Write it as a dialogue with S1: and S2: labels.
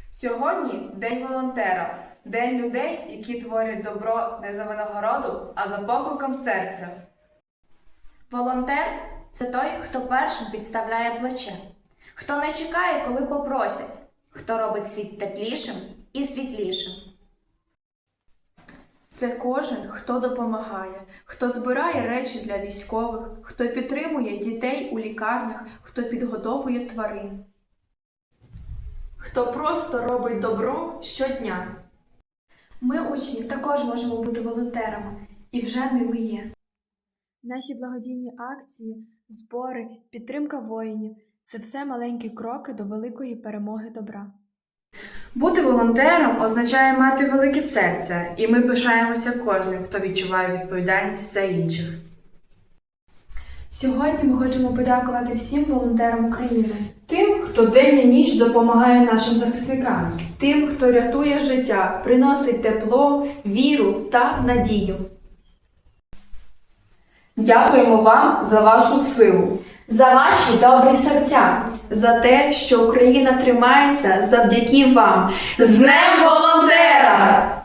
S1: Сьогодні День волонтера, день людей, які творять добро не за винагороду, а за покликом серця.
S2: Волонтер – це той, хто першим підставляє плече, хто не чекає, коли попросять, хто робить світ теплішим і світлішим.
S3: Це кожен, хто допомагає, хто збирає речі для військових, хто підтримує дітей у лікарнях, хто підгодовує тварин. Хто просто робить добро щодня.
S4: Ми, учні, також можемо бути волонтерами, і вже ними є. Наші благодійні акції, збори, підтримка воїнів – це все маленькі кроки до великої перемоги добра.
S1: Бути волонтером означає мати велике серце, і ми пишаємося кожним, хто відчуває відповідальність за інших.
S4: Сьогодні ми хочемо подякувати всім волонтерам України.
S3: Тим, хто день і ніч допомагає нашим захисникам. Тим, хто рятує життя, приносить тепло, віру та надію. Дякуємо вам за вашу силу.
S4: За ваші добрі серця!
S3: За те, що Україна тримається завдяки вам. З Днем волонтера!